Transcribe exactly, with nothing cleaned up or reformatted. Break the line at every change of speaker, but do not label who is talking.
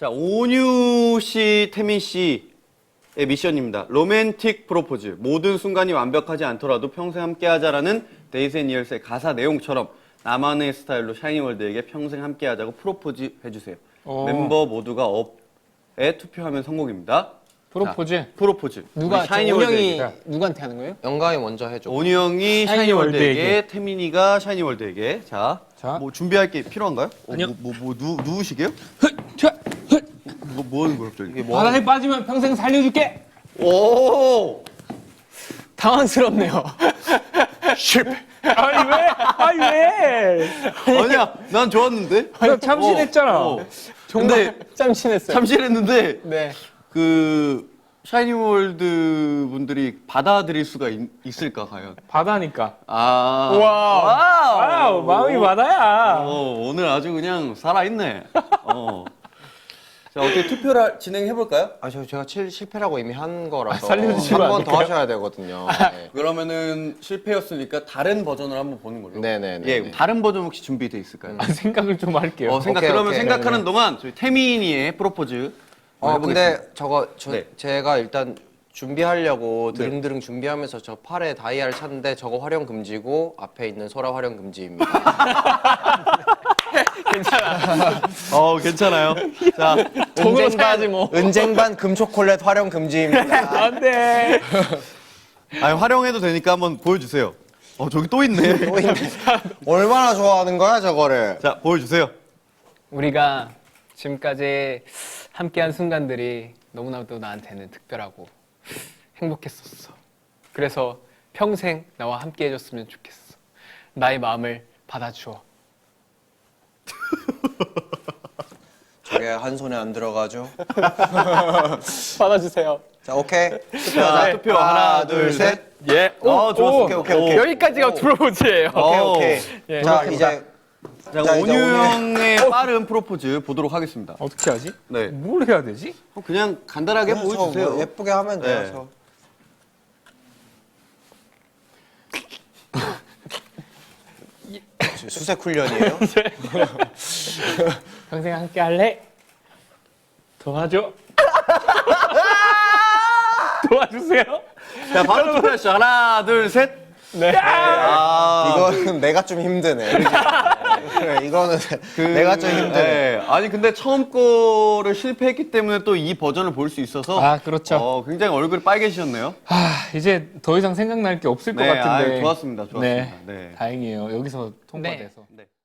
자, 온유 씨, 태민 씨의 미션입니다. 로맨틱 프로포즈. 모든 순간이 완벽하지 않더라도 평생 함께하자라는 데이즈 앤 이얼스의 가사 내용처럼 나만의 스타일로 샤이니월드에게 평생 함께하자고 프로포즈 해주세요.
오.
멤버 모두가 업에 투표하면 성공입니다.
프로포즈.
자, 프로포즈.
누가
우리 샤이니월드에게.
샤이니월드 누구한테 하는 거예요?
영광이 먼저 해줘.
온유 형이
샤이니월드에게.
샤이니월드에게, 태민이가 샤이니월드에게. 자,
자.
뭐 준비할 게 필요한가요? 어,
아니요.
뭐, 뭐, 뭐 누, 누우시게요?
자,
뭐, 뭐 하는 거야, 갑자기? 이게 뭐
바다에 빠지면 평생 살려줄게.
오!
당황스럽네요.
실패. 아니 왜? 아니 왜?
아니야, 난 좋았는데?
나 참신했잖아.
어, 어.
정말
근데
짬친했어요.
참신했는데,
네.
그, 샤이니월드 분들이 받아들일 수가 있, 있을까, 과연?
바다니까.
아.
우와.
와우.
와우, 마음이 바다야.
어, 오늘 아주 그냥 살아있네. 어. 자, 어떻게 투표를 진행해볼까요?
아, 저 제가 칠, 실패라고 이미 한 거라서
아, 살려주시면 안
한 번 더
될까요?
하셔야 되거든요. 네.
그러면은 실패였으니까 다른 버전을 한번 보는 걸로.
네네네.
예, 다른 버전 혹시 준비돼 있을까요?
아, 생각을 좀 할게요.
어, 생각,
오케이,
그러면
오케이.
생각하는
네네.
동안 저희 태민이의 프로포즈.
어,
해보겠습니다.
근데 저거 저,
네.
제가 일단 준비하려고 드릉드릉 준비하면서 저 팔에 다이아를 찼는데 저거 활용 금지고 앞에 있는 소라 활용 금지입니다.
어, 괜찮아요. 자,
돈으로 사야지 뭐.
은쟁반 금초콜릿 활용 금지입니다.
안 돼.
아니, 활용해도 되니까 한번 보여주세요. 어, 저기 또 있네.
또 있네. 얼마나 좋아하는 거야 저거를?
자, 보여주세요.
우리가 지금까지 함께한 순간들이 너무나도 나한테는 특별하고 행복했었어. 그래서 평생 나와 함께해줬으면 좋겠어. 나의 마음을 받아주어.
저게 한 손에 안 들어가죠?
받아주세요.
자 오케이.
자, 투표 하나, 둘, 셋.
예.
어, 좋았어.
오,
오케이, 오케이, 오케이.
여기까지가 프로포즈예요.
오케이
오.
오케이.
예.
자 이제
자,
자, 이제
온유
오늘-
형의 빠른 프로포즈 보도록 하겠습니다.
어떻게 하지?
네.
뭘 해야 되지?
어, 그냥 간단하게
그냥 저
보여주세요.
뭐 예쁘게 하면 돼요.
네.
저. 지금 수색 훈련이에요?
평생 함께 할래? 도와줘. 도와주세요.
자, 바로 투표하시죠. 하나, 둘, 셋.
네.
아,
이거는 내가 좀 힘드네. 그래, 이거는 내가 좀 힘드네.
네. 아니, 근데 처음 거를 실패했기 때문에 또 이 버전을 볼 수 있어서.
아, 그렇죠.
어, 굉장히 얼굴이 빨개지셨네요.
아, 이제 더 이상 생각날 게 없을
네,
것 같은데.
아유, 좋았습니다. 좋았습니다.
네.
네.
다행이에요. 여기서 통과돼서.
네.